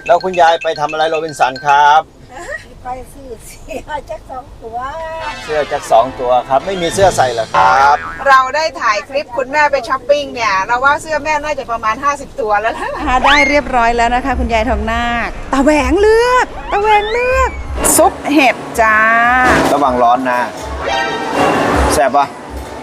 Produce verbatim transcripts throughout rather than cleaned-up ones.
แล้วคุณยายไปทำอะไรโรบินสันครับไปซื้อเสื้อจักสองตัวเสื้อจักสองตัวครับไม่มีเสื้อใส่เหรอครับเราได้ถ่ายคลิปคุณแม่ไปช้อปปิ้งเนี่ยเราว่าเสื้อแม่น่าจะประมาณห้าสิบตัวแล้วนะหาได้เรียบร้อยแล้วนะคะคุณยายทองนาคตาแหวงเลือกตาแหวงเลือกซุปเห็ดจ้าระวังร้อนนะแซ่บปะ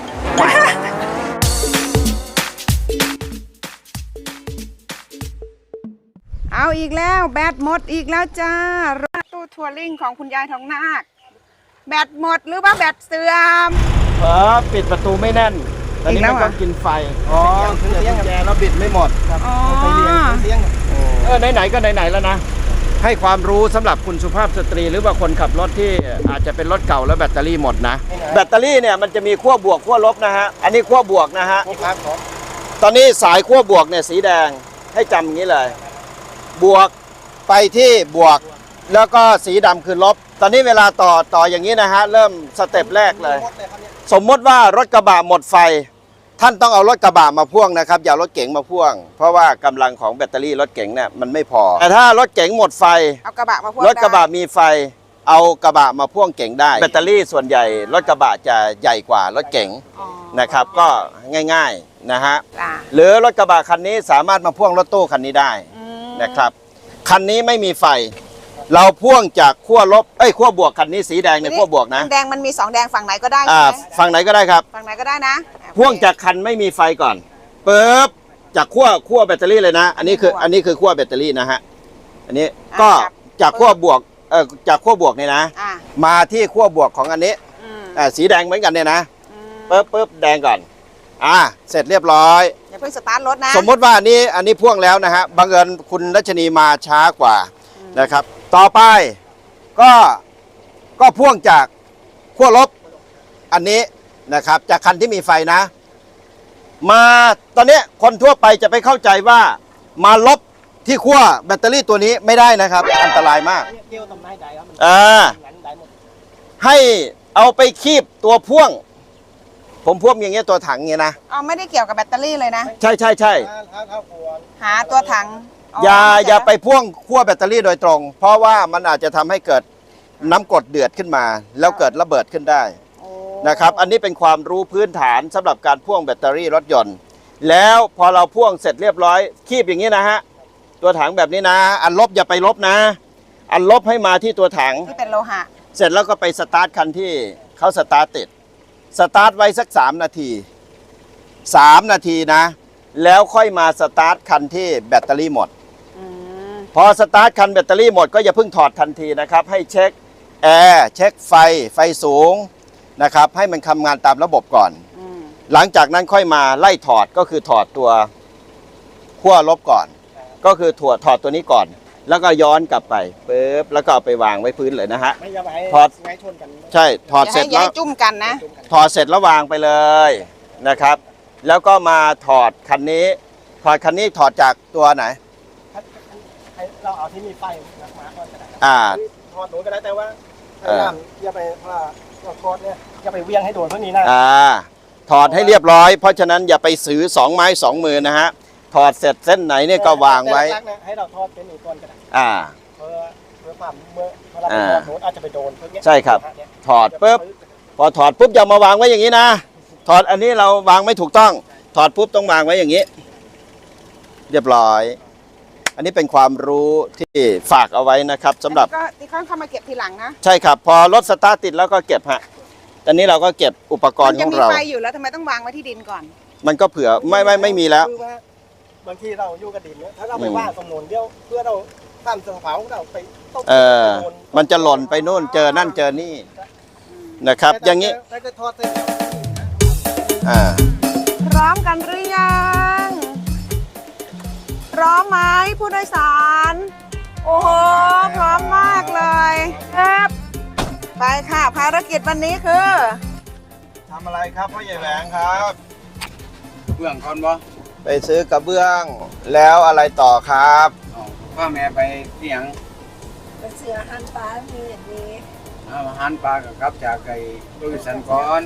เอาอีกแล้วแบตหมดอีกแล้วจ้าตู้ทัวริงของคุณยายทองนาคแบตหมดหรือว่าแบตเสื่อมเออปิดประตูไม่แน่นตอนนี้มันก็กินไฟอ๋อเสียงแกแล้วบิดไม่หมดครับไฟเลี้ยงเสียงเออไหนๆก็ไหนๆแล้วนะให้ความรู้สำหรับคุณสุภาพสตรีหรือว่าคนขับรถที่อาจจะเป็นรถเก่าแล้วแบตเตอรี่หมดนะแบตเตอรี่เนี่ยมันจะมีขั้วบวกขั้วลบนะฮะอันนี้ขั้วบวกนะฮะตอนนี้สายขั้วบวกเนี่ยสีแดงให้จำอย่างนี้เลยบวกไปที่บวกแล้วก็สีดำคือลบตอนนี้เวลาต่อต่ออย่างนี้นะฮะเริ่มสเต็ปแรกเลยสมมติว่ารถกระบะหมดไฟท่านต้องเอารถกระบะมาพ่วงนะครับอย่ารถเก๋งมาพ่วงเพราะว่ากำลังของแบตเตอรี่รถเก๋งเนี่ยมันไม่พอแต่ถ้ารถเก๋งหมดไฟเอากระบะมาพ่วงรถกระบะมีไฟเอากระบะมาพ่วงเก๋งได้แบตเตอรี่ส่วนใหญ่รถกระบะจะใหญ่กว่ารถเก๋งนะครับก็ง่ายๆนะฮะหรือรถกระบะคันนี้สามารถมาพ่วงรถตู้คันนี้ได้นะครับคันนี้ไม่มีไฟเราพ่วงจากขั้วลบเอ้ยขั้วบวกคันนี้สีแดงในขั้วบวกนะแดงมันมีสองแดงฝั่งไหนก็ได้ใช่ไหมฝั่งไหนก็ได้ครับฝั่งไหนก็ได้นะพ่วงจากคันไม่มีไฟก่อนปึ๊บจากขั้วขั้วแบตเตอรี่เลยนะอันนี้คืออันนี้คือขั้วแบตเตอรี่นะฮะอันนี้ก็จากขั้วบวกเออจากขั้วบวกเนี่ยนะมาที่ขั้วบวกของอันนี้อ่าสีแดงเหมือนกันเนี่ยนะปึ๊บปึ๊บแดงก่อนอ่าเสร็จเรียบร้อยอย่าเพิ่งสตาร์ทรถนะสมมติว่าอันนี้อันนี้พ่วงแล้วนะฮะบังเอิญคุณรัชนีมาช้ากว่านะครับต่อไปก็ก็พ่วงจากขั้วลบอันนี้นะครับจากคันที่มีไฟนะมาตอนนี้คนทั่วไปจะไปเข้าใจว่ามาลบที่ขั้วแบตเตอรี่ตัวนี้ไม่ได้นะครับอันตรายมากอ่าให้เอาไปคีบตัวพ่วงผมพ่วงอย่างเงี้ยตัวถังเงี้ยนะอ๋อไม่ได้เกี่ยวกับแบตเตอรี่เลยนะใช่ใช่ใช่หาตัวถังอย่าอย่าไปพ่วงขั้วแบตเตอรี่โดยตรงเพราะว่ามันอาจจะทำให้เกิดน้ำกรดเดือดขึ้นมาแล้วเกิดระเบิดขึ้นได้นะครับอันนี้เป็นความรู้พื้นฐานสำหรับการพ่วงแบตเตอรี่รถยนต์แล้วพอเราพ่วงเสร็จเรียบร้อยคีบอย่างนี้นะฮะตัวถังแบบนี้นะอันลบอย่าไปลบนะอันลบให้มาที่ตัวถังที่เป็นโลหะเสร็จแล้วก็ไปสตาร์ทคันที่เขาสตาร์ทติดสตาร์ทไว้สักสามนาทีสามนาทีนะแล้วค่อยมาสตาร์ทคันที่แบตเตอรี่หมดพอสตาร์ทคันแบตเตอรี่หมดก็อย่าเพิ่งถอดทันทีนะครับให้เช็คแอร์เช็คไฟไฟสูงนะครับให้มันทำงานตามระบบก่อนหลังจากนั้นค่อยมาไล่ถอดก็คือถอดตัวขั้วลบก่อนก็คือถอดถอดตัวนี้ก่อนแล้วก็ย้อนกลับไปปึ๊บแล้วก็เอาไปวางไว้พื้นเลยนะฮะถอดใช่ถอดเสร็จแล้วจุ่มกันนะถอดเสร็จแล้ววางไปเลยนะครับแล้วก็มาถอดคันนี้ถอดคันนี้ถอดจากตัวไหนเราเอาที่มีไฟมาก่อนก็ได้อ่าถอดหนูก็ได้แต่ว่าพยายามอย่าไปว่าถอดเนี่ยอย่าไปเวียงให้โดนเท่านี้นะอ่าถอดให้เรียบร้อยเพราะฉะนั้นอย่าไปซื้อสองไม้สองมือนะฮะถอดเสร็จเส้นไหนเนี่ยก็วางไว้ให้เราทอดเป็นอีกก่อนก็ได้อ่าเพื่อเพื่อความเมื่อเวลาถอดหนูอาจจะไปโดนเพื่อใช่ครับถอดปุ๊บพอถอดปุ๊บอย่ามาวางไว้อย่างนี้นะถอดอันนี้เราวางไม่ถูกต้องถอดปุ๊บต้องวางไว้อย่างนี้เรียบร้อยอันนี้เป็นความรู้ที่ฝากเอาไว้นะครับสำหรับก็ที่เขาเข้ามาเก็บทีหลังนะใช่ครับพอรถสตาร์ทติดแล้วก็เก็บฮะตอนนี้เราก็เก็บอุปกรณ์ของเรามันจะมีไฟอยู่แล้วทำไมต้องวางไว้ที่ดินก่อนมันก็เผื่อไม่ไม่ไม่มีแล้วบางทีเราอยู่กับดินเนี่ยถ้าเราไปว่างตรงโน้นเดียวเพื่อเราตั้งเสาเผาเราไปต้องเออมันจะหล่นไปนู่นเจอนั่นเจอนี่นะครับอย่างนี้อ่าพร้อมกันหรือยังพร้อมไหมผู้โดยสารโอ้โหพร้อมมากเลยครับไปค่ะภารกิจวันนี้คือทำอะไรครับพ่อใหญ่แหวงครับเบื้องก่อนบ่ไปซื้อกระเบื้องแล้วอะไรต่อครับพ่อแม่ไปเสี่ยงไปเสือหันปลามีอย่างนี้อาหารปลากับกับจากไก่โดยสันก่อน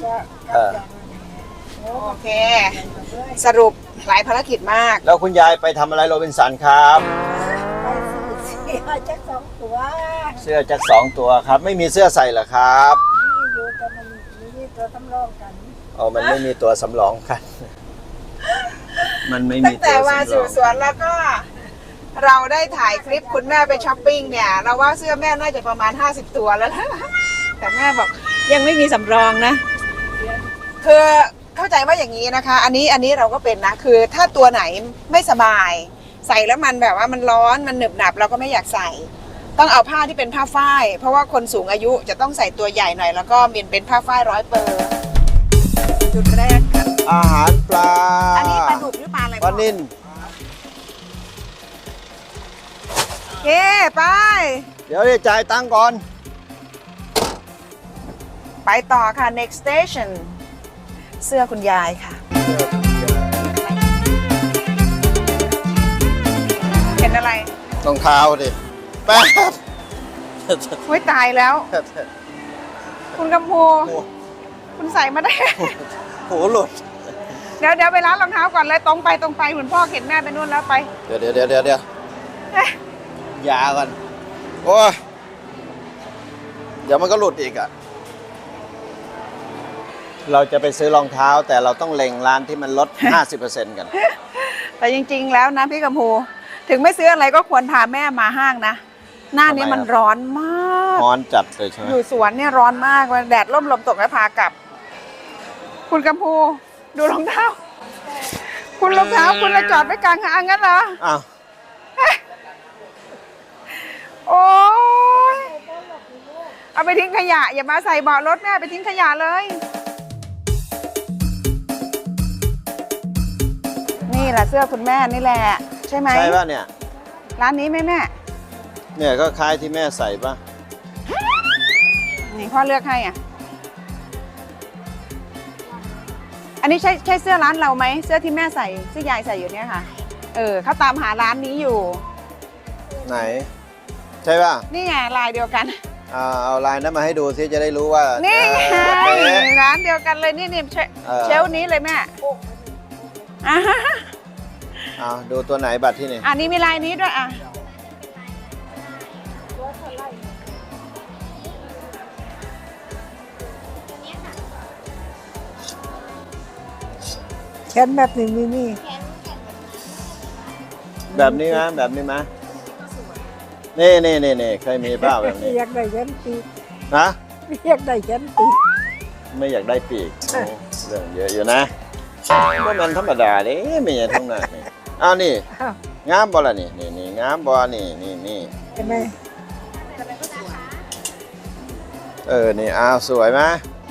โอเคสรุปหลายภารกิจมากแล้วคุณยายไปทำอะไรโรบินสันครับไปซื้อเสื้แจ็คสองตัวเสื้อจักสองตัวครับ ไม่มีเสื้อใส่เหรอครับนี่อยู่แต่มันมีตัวสำรองกันอ๋อมันไม่มีตัวสำรองกัน มันไม่ตั้มีงตัแต่วมาสำรสู่องสวนแล้วก็ เราได้ถ่ายคลิปคุณแม่ไปช้อปปิ้งเนี่ย เราว่าเสื้อแม่น่าจะประมาณห้าสิบตัวแล้วนะ แต่แม่บอกยังไม่มีสำรองนะ คือเข้าใจว่าอย่างนี้นะคะ อันนี้อันนี้เราก็เป็นนะ คือถ้าตัวไหนไม่สบาย ใส่แล้วมันแบบว่ามันร้อนมันหนึบหนับเราก็ไม่อยากใส่ ต้องเอาผ้าที่เป็นผ้าฝ้าย เพราะว่าคนสูงอายุจะต้องใส่ตัวใหญ่หน่อยแล้วก็มีเป็นผ้าฝ้ายร้อยเปอร์จุดแรกค่ะอาหารปลาอันนี้ปลาดุกหรือปลาอะไรปลานิ่นโอเคไปเดี๋ยวจะจ่ายตังค์ก่อนไปต่อค่ะ next station เสื้อคุณยายค่ะ เห็นอะไรรองเท้าดิแป๊บโอ้ยตายแล้ว คุณกำพูคุณใส่มาได้โหหลุดเดี๋ยวเดี๋ยวไปร้านรองเท้าก่อนเลยตรงไปตรงไปเหมือนพ่อเข็นแม่ไปนู่นแล้วไปเดี๋ยวเดี๋ยวเดี๋ยวเดี๋ยวเดี๋ยวเอ๊ะยาก่อนโอ้ยเดี๋ยวมันก็หลุดอีกอ่ะ เราจะไปซื้อรองเท้าแต่เราต้องเล็งร้านที่มันลด ห้าสิบเปอร์เซ็นต์ กันแต่จริง ๆ แล้วนะพี่กำพูถึงไม่ซื้ออะไรก็ควรพาแม่มาห้างนะ หน้านี้มันร้อนมากร้อนจัดเลยใช่ไหมอยู่สวนเนี่ยร้อนมากแดดร่มลมตกแล้วพากลับ คุณกำพูดูรองเท้า คุณรองเท้าคุณจะจอดไว้กลางทางงั้นเหรออ้าวโอ้ยเอาไปทิ้งขยะ อย่ามาใส่เบาะรถแม่ไปทิ้งขยะเลย นี่แหละเสื้อคุณแม่นี่แหละ ใช่ไหมใช่ป่ะเนี่ยร้านนี้ไหมแม่เนี่ยก็คล้ายที่แม่ใส่ป่ะนี่พ่อเลือกให้อ่ะ อันนี้ใช่ใช่เสื้อร้านเราไหมเสื้อที่แม่ใส่เสื้อยายใส่อยู่เนี่ยค่ะ เออเขาตามหาร้านนี้อยู่ไหน ใช่ป่ะนี่ไงลายเดียวกันเอาเอาลายนั้นมาให้ดูซิจะได้รู้ว่านี่ไงเออแบบนี้ร้านเดียวกันเลยนี่นี่เชเออเชลฟ์นี้เลยแม่อ่ะเอาดูตัวไหนบัตรที่นี่อันนี้มีลายนี้ด้วยอ่ะแขนแบบนี้มีมีแบบนี้ไหมแบบนี้ไหมนี่นี่นี่นี่เคยมีเปล่าแบบนี้อยากได้ยันปีนะอยากได้ยันปีไม่อยากได้ปีกโอ้เรื่องเยอะอยู่นะก็มันธรรมดาเด้ไม่ใช่ทั้งนั้นนี่อ้าวนี่อ้าวงามบ่ล่ะนี่นี่นี่งามบ่นี่นี่นี่เห็นไหมเออนี่อ้าวสวยไหม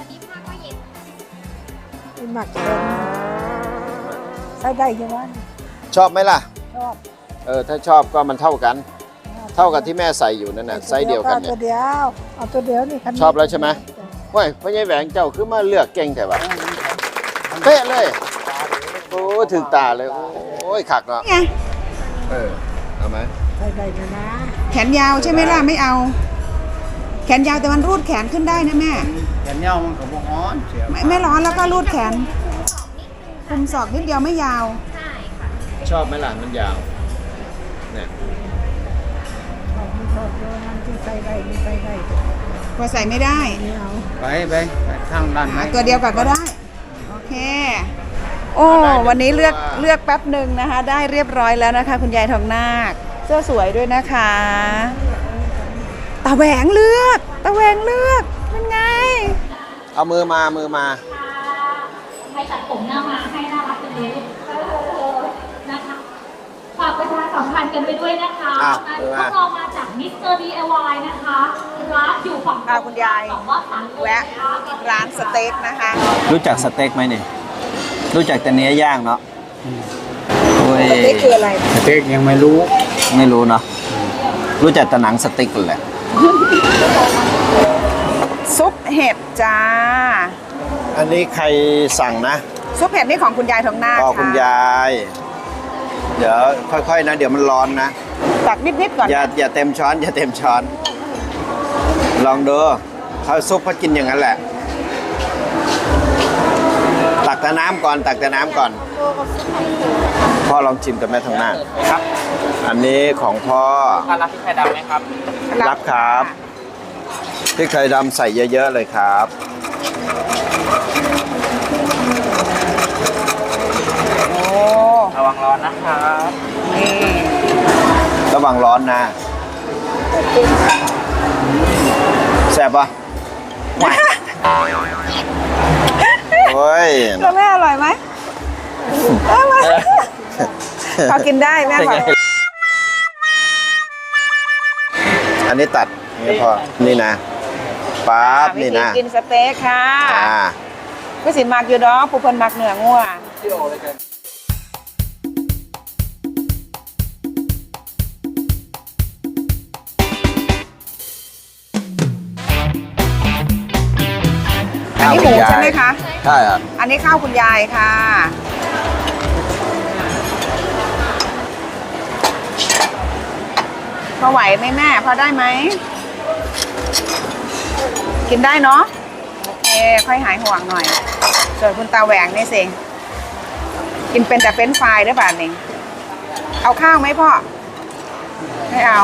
มีหมักเค็มใส่ได้ยังไงชอบไหมล่ะชอบเออถ้าชอบก็มันเท่ากัน เท่ากับที่แม่ใส่อยู่นั่นน่ะไซส์เดียวกันเนี่ตัยวเดียวเอาตัวเดียวนี่คันนี้ชอบแล้วใช่ไหม เฮ้ยพ่อใหญ่แหวงเจ้าคือมาเลือกเก่งแต่ว่าเป๊ะเลยโอ้ถึงตาเลยโอ้ยขักเนาะไงเออเอาไหมใส่ได้นะนะแขนยาวใช่ไหมล่ะไม่เอา แขนยาวแต่มันรูดแขนขึ้นได้นะแม่แขนยาวมันก็บ่ฮ้อนเสียไม่ไม่ร้อนแล้วก็รูดแขนคุมศอกนิดเดียวไม่ยาวชอบไหมล่ะมันยาวเนี่ยชอบชอบตัวนั้นที่ใส่ได้ที่ใส่ได้พอใส่ไม่ได้ไม่เอาไปไปไปทางด้านไหนหาตัวเดียวก่อนก็ได้ โอเค โอ้วันนี้เลือกเลือกแป๊บหนึ่งนะคะ ได้เรียบร้อยแล้วนะคะ คุณยายทองนาคเสื้อสวยด้วยนะคะตาแหวงเลือกตาแหวงเลือกเป็นไงเอามือมามือมาให้ตัดผมหน้ามาให้น่ารักเป็นเลยนะคะฝากประชาสัมพันธ์กันไปด้วยนะคะอ่ะพวกเรามาจากมิสเตอร์ดีไอวายนะคะร้านอยู่ฝั่งอ่ะคุณยายฝั่งว่าสังแวะร้านสเต็กนะคะรู้จักสเต็กไหมนี่รู้จักแต่เนื้อย่างเนาะโอ้ยสเต็กคืออะไรสเต็กยังไม่รู้ไม่รู้เนาะรู้จักแต่หนังสเต็กแหละซุปเห็ดจ้าอันนี้ใครสั่งนะซุปเห็ดนี่ของคุณยายทองนาคอ๋อค่ะคุณยาย เดี๋ยวค่อยๆนะ เดี๋ยวมันร้อนนะตักนิดๆก่อนอย่าอย่าเต็มช้อน อย่าเต็มช้อน ลองดูเขาซุปเขากินอย่างนั้นแหละ ตักแต่น้ำก่อน ตักแต่น้ำก่อนโตกับสุดพ่อลองชิมกับแม่ทางหน้าครับ อันนี้ของพ่อรับพริกไทยดำไหมครับรับครับพริกไทยดำใส่เยอะๆเลยครับโอ้ระวังร้อนนะครับนี่ระวังร้อนนะแซ่บปะโอ้ยแล้วแม่อร่อยไหมเอ้ยมาพอกินได้แม่บอกอันนี้ตัดนี่พอนี่นะปั๊บวินี่ธีนะกินสเต็กค่ะอ่าก็สิมักอยู่ดอกผู้เพิ่นมักเนื้องัว อันนี้หมูใช่ไหมคะใช่ครับอันนี้ข้าวคุณยายค่ะ พอไหวไหมแม่ พอได้ไหม กินได้เนาะ โอเค ค่อยหายห่วงหน่อย ส่วนคุณตาแหวงนี่สิ กินเป็นแต่เฟรนช์ฟรายด้วยป่ะนี่เอาข้าวไหมพ่อ ไม่เอา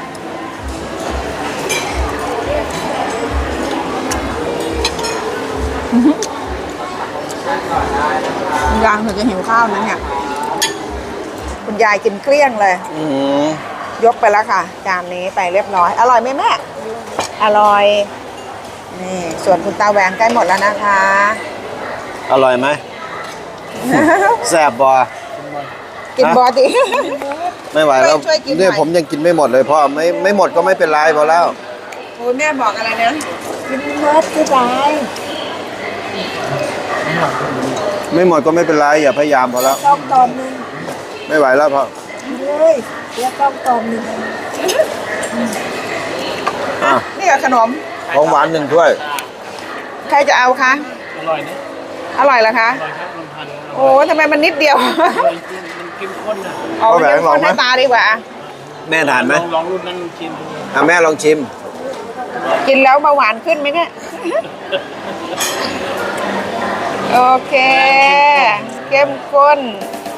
ยังถึงจะหิวข้าวนั้นเนี่ย คุณยายกินเกลี้ยงเลยอืมยกไปแล้วค่ะ จานนี้ไปเรียบร้อย อร่อยไหมแม่ อร่อย นี่ส่วนคุณตาแหวงใกล้หมดแล้วนะคะอร่อยไหม แซ่บบ่กินบอดิไม่ไหวแล้วช่วยกินหน่อยเนี่ยผมยังกินไม่หมดเลยพ่อไม่ไม่หมดก็ไม่เป็นไรพอแล้วโอ้ยแม่บอกอะไรนะกินเมิดก็ได้ไม่หมดก็ไม่เป็นไรอย่าพยายามพอแล้วต้องตอนหนึ่งไม่ไหวแล้วพ่อเลยเดี๋ยวต้องตอนหนึ่งอ่ะนี่กับขนมของหวานหนึ่งถ้วยใครจะเอาคะอร่อยนะอร่อยเหรอคะอร่อยครับลำพันธ์โอ้ทำไมมันนิดเดียวมันเข้มข้นนะเอาไปกินคนให้ตาดีกว่าแม่ทานไหมลองลองรุ่นนั้นชิมดูอ่ะแม่ลองชิมกินแล้วเบาหวานขึ้นไหมเนี่ย โอเค เข้มข้น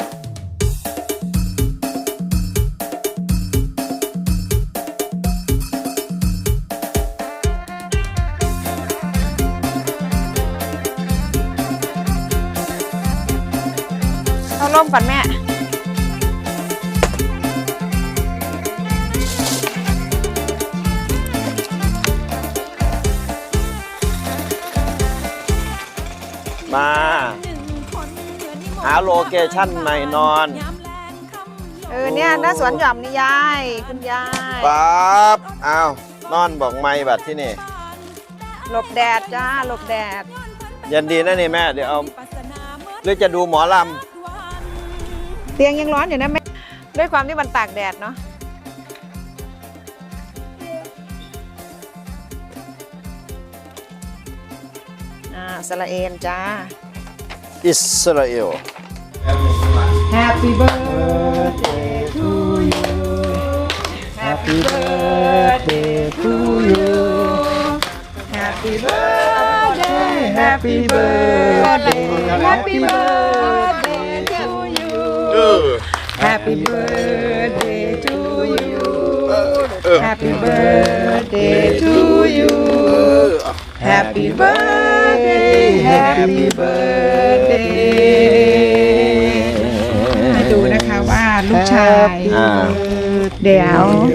เอาร่มก่อนแม่มาหาโลเคชั่นใหม่นอนเออเนี่ยหน้าสวนหย่อมนี่ยาย คุณยายปั๊บอ้าวนอนบอกไม่บัดที่นี่หลบแดดจ้า หลบแดดยันดีนะนี่แม่เดี๋ยวเอาหรือจะดูหมอลเตียงยังร้อนอยู่นะแม่ด้วยความที่มันตากแดดเนาะอ่าสละเอนจ้าำอิสราเอล Happy birthday to you Happy birthday to you Happy birthday Happy birthday Happy birthday to you Happy birthday to you Happy birthday to you Happy birthday Happy birthday ให้ดูนะคะว่าลูกชายอ่าเดี๋ยว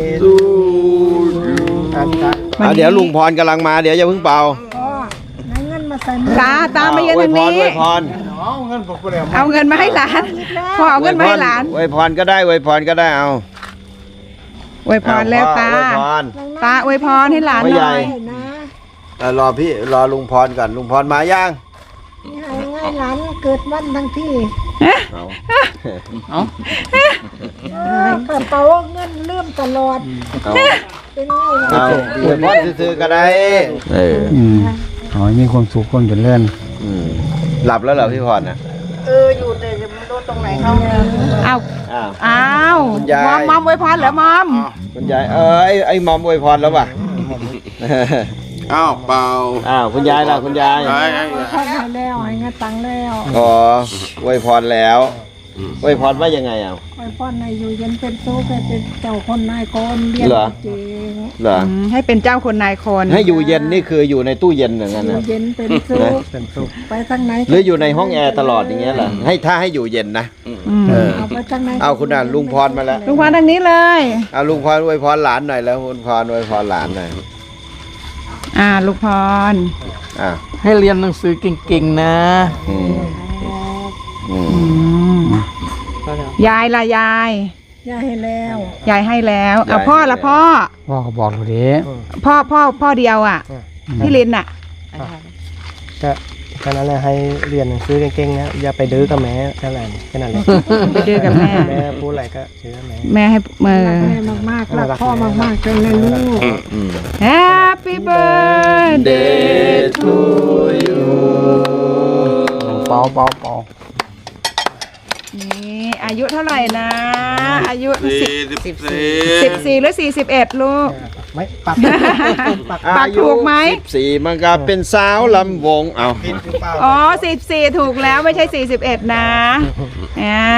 อ่าเดี๋ยวลุงพรกำลังมาเดี๋ยวอย่าเพิ่งเป่าตาตามาเย็นอวทาย งพรนี้อวยพรเอาเงินมาให้หลานพอเอาเงินมาให้หลานอวยพรก็ได้อวยพรก็ได้เอาอวยพรแล้วตาอวยพรตาอวยพรให้หลานไม่หใหน่ญ่อยเออรอพี่รอลุงพรก่อนลุงพรมายังให้ง่ายหลานเกิดวันทั้งที่เอาเอาเออกระเป๋าเงินเลื่อมตลอดเอาเป็นไงล่ะเอาอวยพรซื้อๆก็ได้เออขอให้มีความสุขคนเจริญอืมหลับแล้วเหรอพี่พรน่ะเอออยู่แต่จะไม่รู้ตรงไหนเขาเอาอ้าวอ้าวคุณยายมอมมอมอวยพรเหรอมอมคุณยายเออไอ้ไอ้หมอมอวยพรแล้วป่ะอ้าวเปล่าอ้าวคุณยายล่ะคุณยายไอ้ไอ้พ่อให้แล้วให้เงินตังค์แล้วอ๋ออวยพรแล้วอวยพรว่ายังไงอ่ะคอยป้อนนายอยู่เย็นเป็นสุขให้เป็นเจ้าคนนายคนเรียนเหรอเก่งเหรออืมให้เป็นเจ้าคนนายคนให้อยู่เย็นนี่คืออยู่ในตู้เย็นอย่างนั้นอยู่นะเย็นเป็นสุขเป็นสุขไปทางไหนหรืออยู่ในห้องแอร์ตลอดอย่างเงี้ยเหรอให้ถ้าให้อยู่เย็นนะอืมเออเอาไปทางไหนเอาคุณน่ะลุงพรมาแล้วลุงพรทางนี้เลยเอาลุงพรอวยพรหลานหน่อยแล้วลุงพรอวยพรหลานหน่อยอ่าลุงพรอ่ะให้เรียนหนังสือเก่งๆนะอืมอืมอืมยายล่ะยายย่าให้แล้วยายให้แล้วเอาพ่อละพ่อพ่อก็บอกเราดิพ่อพ่อพ่อเดียวอ่ะพี่ลินอ่ะก็แค่นั้นแหละให้เรียนหนังสือเก่งๆนะอย่าไปดื้อกับแม่แค่นั้นแค่นั้นแหละไปดื้อกับแม่แม่พูดอะไรก็เชื่อแม่แม่ให้เมื่อรักแม่มากๆรักพ่อมากๆเลยนะลูกอืม Happy birthday to you เปาเปาเปานี่อายุเท่าไหร่นะ อายุสิบสี่สิบสี่สิบสี่หรือสี่สิบเอ็ดลูกไม่ปักปักปากถูกไหมสิบสี่มันก็เป็นสาวลำวงเอาผิดหรือเปล่าอ๋อสิบสี่ถูกแล้วไม่ใช่สี่สิบเอ็ดนะอ่า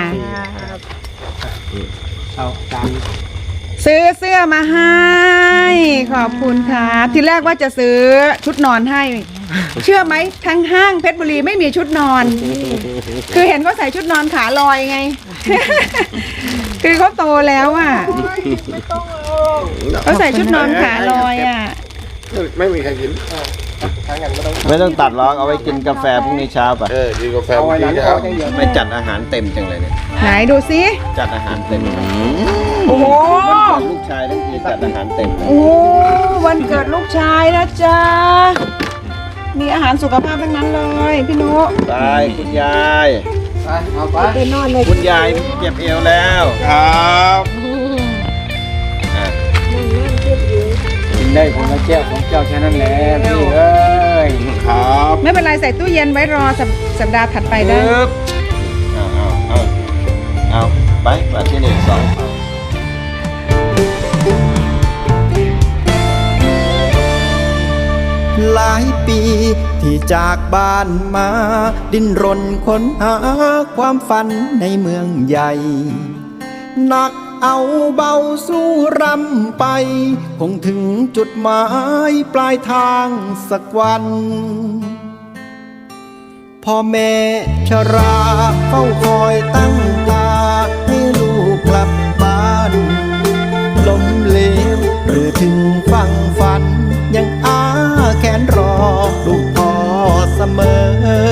เอาจานซื้อเสื้อมาให้ ขอบคุณครับทีแรกว่าจะซื้อชุดนอนให้ เชื่อไหมทั้งห้างเพชรบุรีไม่มีชุดนอน คือเห็นเขาใส่ชุดนอนขาลอยไง คือเขาโตแล้วอ่ะเขาใส่ชุดนอนขาลอยอ่ะไม่มีใครกินทางอย่างก็ต้องไม่ต้องตัดหรอกเอาไว้กินกาแฟพรุ่งนี้เช้าป่ะเออกินกาแฟเอาเมื่ไว้อหลักี้งคคอรับอย่างเดียวไม่จัดอาหารเต็มจังเลยเนี่ยไหนดูสิจัดอาหารเต็มโอ้โหลูกชายทั้งทีจัดอาหารเต็มเลยโอ้โหวันเกิดลูกชายนะจ๊ะมีอาหารสุขภาพทั้งนั้นเลยพี่นุไปคุณยายเอาไปไปนอนเลยคุณยายเจ็บเอวแล้วครับอ่ะกินได้ผมก็แก้วของเจ้าแค่นั้นแหละพี่เอ้ยครับไม่เป็นไรใส่ตู้เย็นไว้รอสัปสัปดาห์ถัดไปได้ปึ๊บเอาเอาเอาเอาไปมาที่หนึ่งสองหลายปีที่จากบ้านมา ดิ้นรนค้นหาความฝันในเมืองใหญ่ หนักเอาเบาสู้รำไป คงถึงจุดหมายปลายทางสักวัน พ่อแม่ชราเฝ้าคอยตั้งตาให้ลูกกลับบ้านล้มเหลวหรือถึงฝั่งฝัน ยังอาแขนรอลูกพ่อเสมอ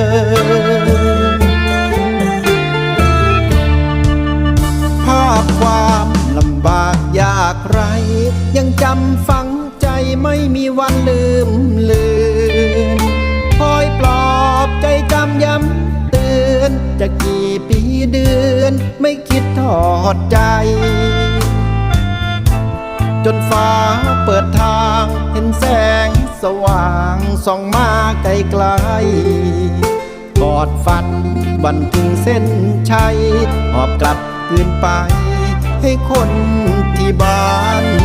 ภาพความลำบากยากไร ยังจำฝังใจไม่มีวันลืมเลือนคอยปลอบใจจำย้ำเตือน จะกี่ปีเดือนไม่คิดทอดใจ จนฟ้าเปิดทางเห็นแสงสว่างส่องมาไกลไกลกอดฝันวันถึงเส้นชัยหอบกลับคืนไปให้คนที่บ้าน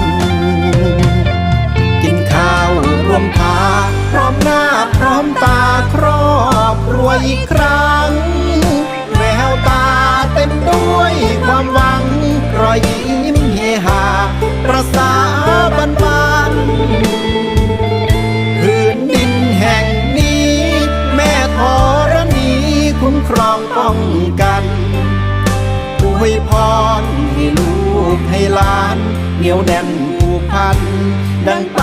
กินข้าวรวมพาพร้อมหน้าพร้อมตาครอบครัวอีกครั้งแววตาเต็มด้วยความหวังรอยยิ้มเฮฮาประสาบันบานพื้นดินแห่งนี้แม่ธรณีคุ้มครองป้องกันอวยพรให้ลูกให้หลานเหนียวแน่นผูกพันดังป